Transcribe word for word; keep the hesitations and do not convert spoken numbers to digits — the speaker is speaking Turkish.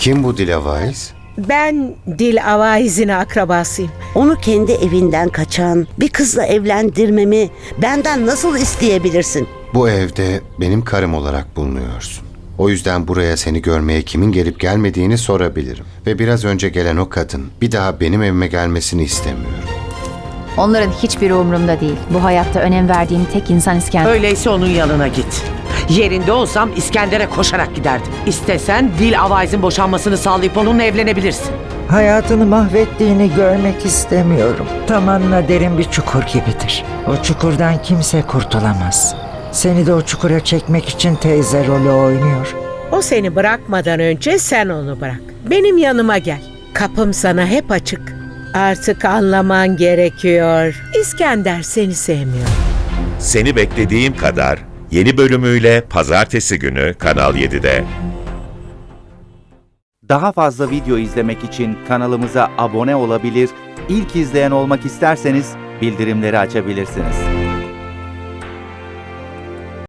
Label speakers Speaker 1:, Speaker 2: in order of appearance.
Speaker 1: Kim bu Dilavayız?
Speaker 2: Ben Dil Avaiz'in akrabasıyım.
Speaker 3: Onu kendi evinden kaçan bir kızla evlendirmemi benden nasıl isteyebilirsin?
Speaker 1: Bu evde benim karım olarak bulunuyorsun. O yüzden buraya seni görmeye kimin gelip gelmediğini sorabilirim. Ve biraz önce gelen o kadın bir daha benim evime gelmesini istemiyorum.
Speaker 4: Onların hiçbiri umurumda değil. Bu hayatta önem verdiğim tek insan İskender.
Speaker 5: Öyleyse onun yanına git. Yerinde olsam İskender'e koşarak giderdim. İstesen Dil Avaiz'in boşanmasını sağlayıp onunla evlenebilirsin.
Speaker 6: Hayatını mahvettiğini görmek istemiyorum. Tamanla derin bir çukur gibidir. O çukurdan kimse kurtulamaz. Seni de o çukura çekmek için teyze rolü oynuyor.
Speaker 2: O seni bırakmadan önce sen onu bırak. Benim yanıma gel. Kapım sana hep açık. Artık anlaman gerekiyor. İskender seni sevmiyor.
Speaker 7: Seni Beklediğim Kadar yeni bölümüyle pazartesi günü Kanal yedide.
Speaker 8: Daha fazla video izlemek için kanalımıza abone olabilir, ilk izleyen olmak isterseniz bildirimleri açabilirsiniz.